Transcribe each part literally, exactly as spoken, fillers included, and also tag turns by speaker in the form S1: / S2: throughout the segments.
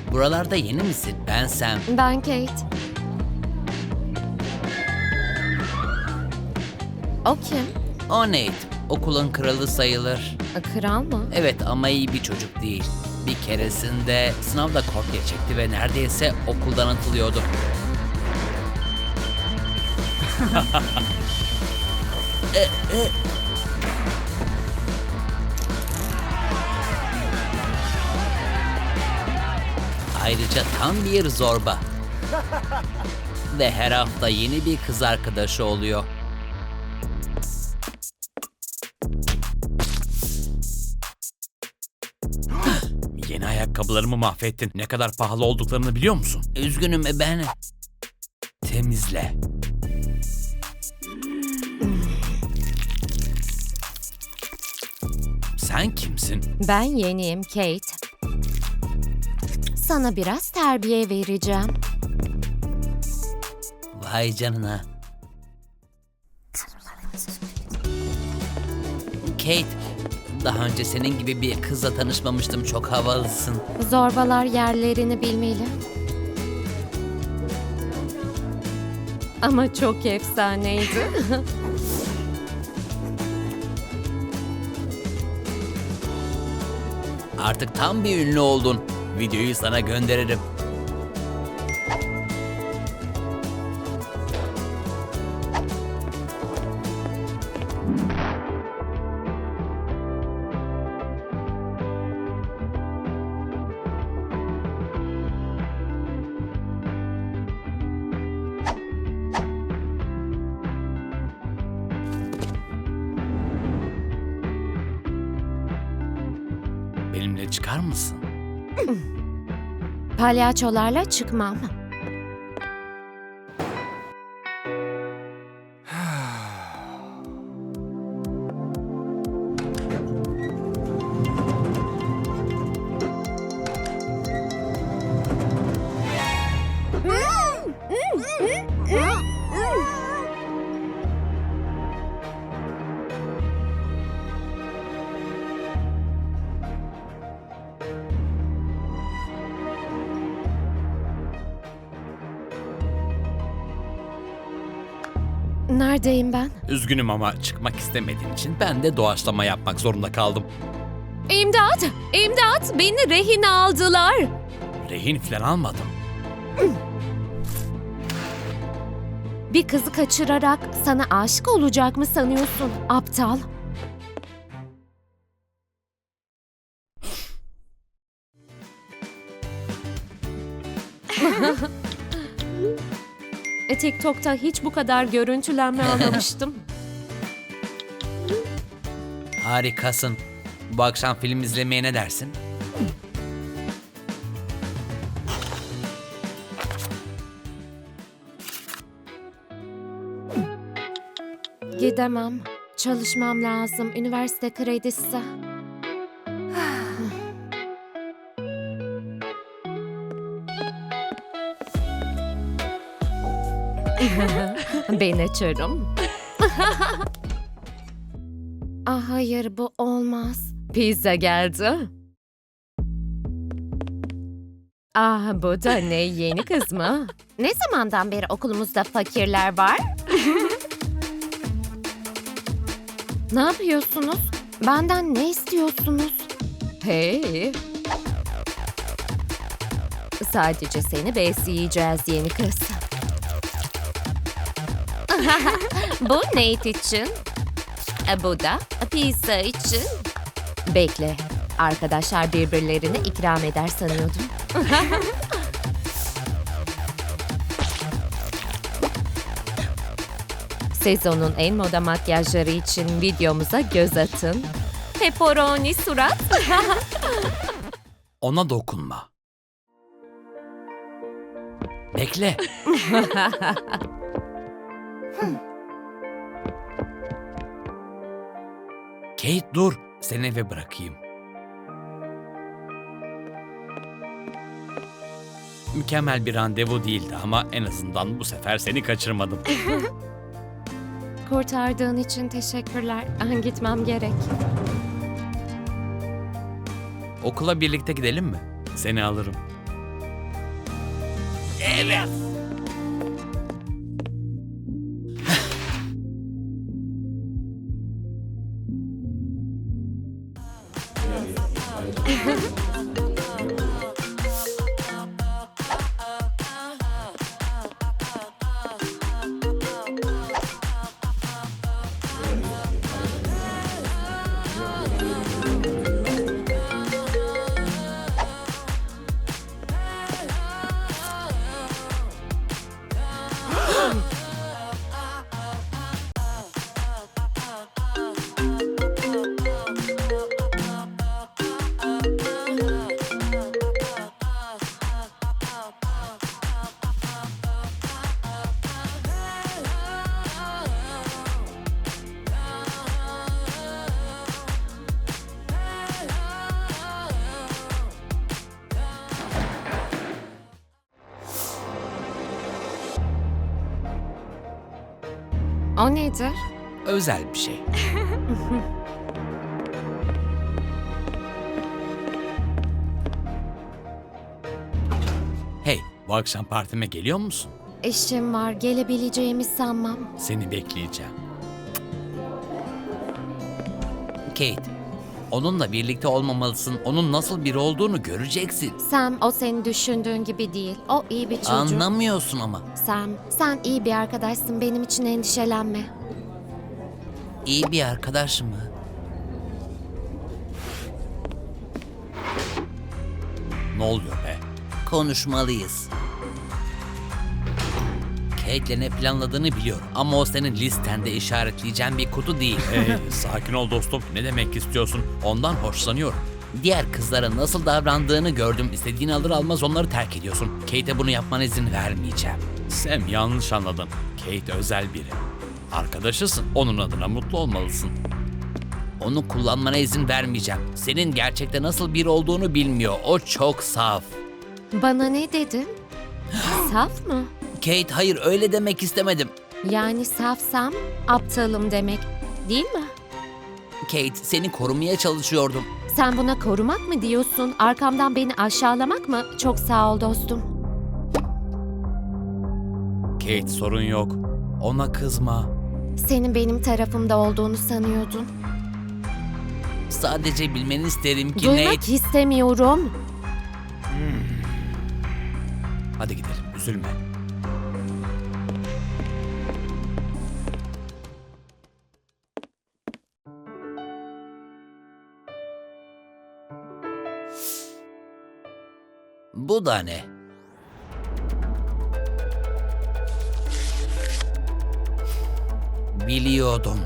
S1: Buralarda yeni misin? Ben Sam.
S2: Ben Kate. O kim?
S1: O Nate. Okulun kralı sayılır.
S2: Kral mı?
S1: Evet ama iyi bir çocuk değil. Bir keresinde sınavda kopya çekti ve neredeyse okuldan atılıyordu. E, e. Ayrıca tam bir zorba. Ve her hafta yeni bir kız arkadaşı oluyor. Yeni ayakkabılarımı mahvettin. Ne kadar pahalı olduklarını biliyor musun? Üzgünüm ben. Temizle. Sen kimsin?
S2: Ben yeniyim Kate. Sana biraz terbiye vereceğim.
S1: Vay canına. Kate, daha önce senin gibi bir kızla tanışmamıştım. Çok havalısın.
S2: Zorbalar yerlerini bilmeli. Ama çok efsaneydi.
S1: Artık tam bir ünlü oldun. Videoyu sana gönderirim. Benimle çıkar mısın?
S2: Palyaçolarla çıkmam. Neredeyim ben?
S1: Üzgünüm ama çıkmak istemediğin için ben de doğaçlama yapmak zorunda kaldım.
S2: İmdat! İmdat! Beni rehin aldılar.
S1: Rehin falan almadım.
S2: Bir kızı kaçırarak sana aşık olacak mı sanıyorsun aptal? E, TikTok'ta hiç bu kadar görüntülenme almamıştım.
S1: Harikasın. Bu akşam film izlemeye ne dersin?
S2: Gidemem. Çalışmam lazım. Üniversite kredisi. Ben açarım. Ah hayır bu olmaz. Pizza geldi. Ah bu da ne yeni kız mı? Ne zamandan beri okulumuzda fakirler var? Ne yapıyorsunuz? Benden ne istiyorsunuz? Hey. Sadece seni besleyeceğiz yeni kız. Bu Nate için. E, bu da pizza için. Bekle. Arkadaşlar birbirlerini ikram eder sanıyordum. Sezonun en moda makyajları için videomuza göz atın. Pepperoni surat.
S1: Ona dokunma. Bekle. Kate dur. Seni eve bırakayım. Mükemmel bir randevu değildi ama en azından bu sefer seni kaçırmadım.
S2: Kurtardığın için teşekkürler. Ah, gitmem gerek.
S1: Okula birlikte gidelim mi? Seni alırım. Evet.
S2: O nedir?
S1: Özel bir şey. Hey, bu akşam partime geliyor musun?
S2: İşim var, gelebileceğimi sanmam.
S1: Seni bekleyeceğim. Kate, onunla birlikte olmamalısın. Onun nasıl biri olduğunu göreceksin.
S2: Sam, o senin düşündüğün gibi değil. O iyi bir çocuk.
S1: Anlamıyorsun ama.
S2: Sam, sen iyi bir arkadaşsın. Benim için endişelenme.
S1: İyi bir arkadaş mı? Ne oluyor be? Konuşmalıyız. Kate'le ne planladığını biliyorum ama o senin listende işaretleyeceğin bir kutu değil. Hey, sakin ol dostum. Ne demek istiyorsun? Ondan hoşlanıyorum. Diğer kızlara nasıl davrandığını gördüm. İstediğini alır almaz onları terk ediyorsun. Kate'e bunu yapmana izin vermeyeceğim. Sam, yanlış anladın. Kate özel biri. Arkadaşısın. Onun adına mutlu olmalısın. Onu kullanmana izin vermeyeceğim. Senin gerçekte nasıl biri olduğunu bilmiyor. O çok saf.
S2: Bana ne dedin? Saf mı?
S1: Kate, hayır, öyle demek istemedim.
S2: Yani safsam aptalım demek, değil mi?
S1: Kate, seni korumaya çalışıyordum.
S2: Sen buna korumak mı diyorsun? Arkamdan beni aşağılamak mı? Çok sağ ol dostum.
S1: Kate, sorun yok. Ona kızma.
S2: Senin benim tarafımda olduğunu sanıyordun.
S1: Sadece bilmeni isterim ki
S2: Duymak
S1: Nate...
S2: istemiyorum.
S1: Hadi gidelim, üzülme. Bu da ne? Biliyordum.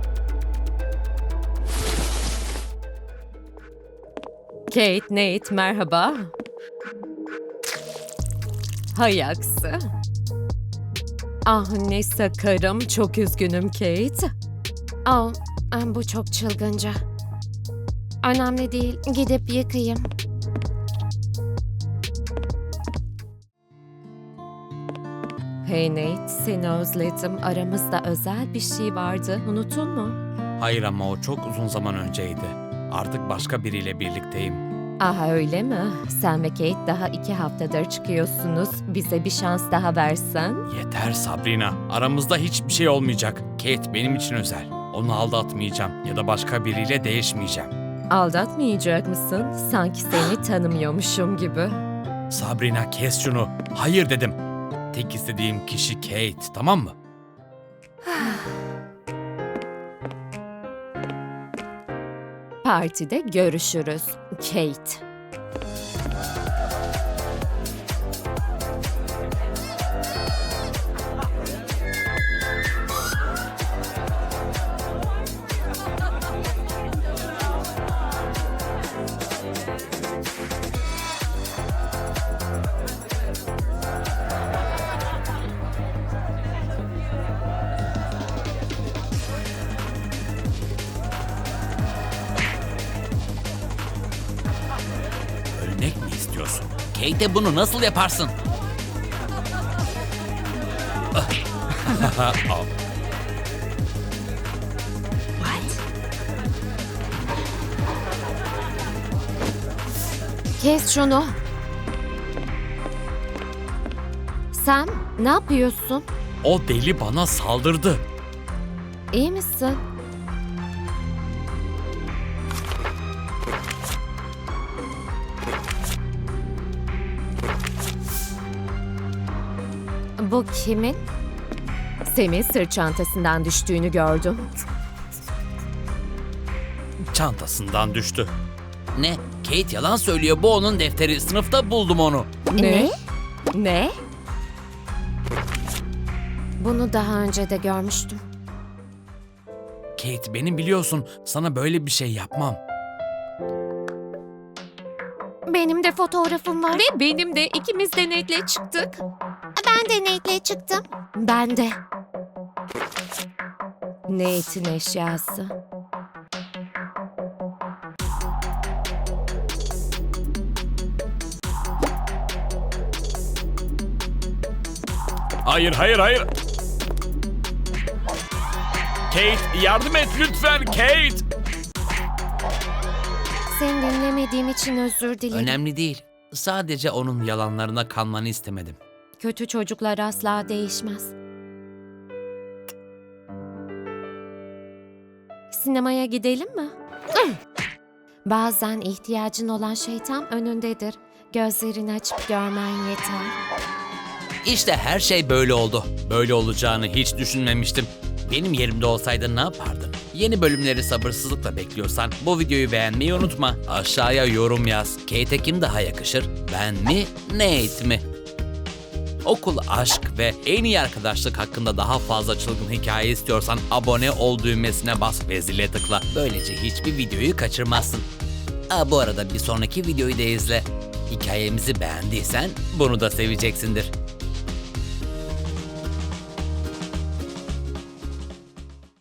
S2: Kate, Nate, merhaba. Hay aksi. Ah ne sakarım, çok üzgünüm Kate. Oh, bu çok çılgınca. Önemli değil, gidip yıkayayım. Hey Nate, seni özledim. Aramızda özel bir şey vardı, unuttun mu?
S1: Hayır ama o çok uzun zaman önceydi. Artık başka biriyle birlikteyim.
S2: Aha öyle mi? Sen ve Kate daha iki haftadır çıkıyorsunuz. Bize bir şans daha versen.
S1: Yeter Sabrina. Aramızda hiçbir şey olmayacak. Kate benim için özel. Onu aldatmayacağım ya da başka biriyle değişmeyeceğim.
S2: Aldatmayacak mısın? Sanki seni tanımıyormuşum gibi.
S1: Sabrina, kes şunu. Hayır dedim. Tek istediğim kişi Kate, tamam mı?
S2: Partide görüşürüz. Kate.
S1: Ölmek mi istiyorsun? Kate'e bunu nasıl yaparsın? Al.
S2: Kes şunu. Sam, ne yapıyorsun?
S1: O deli bana saldırdı.
S2: İyi misin? Bu kimin? Sam'in sırt çantasından düştüğünü gördüm.
S1: Çantasından düştü. Ne? Kate yalan söylüyor. Bu onun defteri. Sınıfta buldum onu.
S2: Ne? Ne? Bunu daha önce de görmüştüm.
S1: Kate, beni biliyorsun. Sana böyle bir şey yapmam.
S2: Benim de fotoğrafım var. Ve benim de. İkimiz de Nate'le çıktık. Ben de Nate'le çıktım. Ben de. Nate'in eşyası.
S1: Hayır, hayır, hayır. Kate, yardım et lütfen Kate.
S2: Seni dinlemediğim için özür dilerim.
S1: Önemli değil. Sadece onun yalanlarına kanmanı istemedim.
S2: Kötü çocuklar asla değişmez. Sinemaya gidelim mi? Bazen ihtiyacın olan şey tam önündedir. Gözlerini açıp görmen yeter.
S1: İşte her şey böyle oldu. Böyle olacağını hiç düşünmemiştim. Benim yerimde olsaydın ne yapardın? Yeni bölümleri sabırsızlıkla bekliyorsan bu videoyu beğenmeyi unutma. Aşağıya yorum yaz. Kate'e kim daha yakışır? Ben mi, Nate mi? Okul, aşk ve en iyi arkadaşlık hakkında daha fazla çılgın hikaye istiyorsan abone ol düğmesine bas ve zile tıkla. Böylece hiçbir videoyu kaçırmazsın. Aa, bu arada bir sonraki videoyu da izle. Hikayemizi beğendiysen bunu da seveceksindir.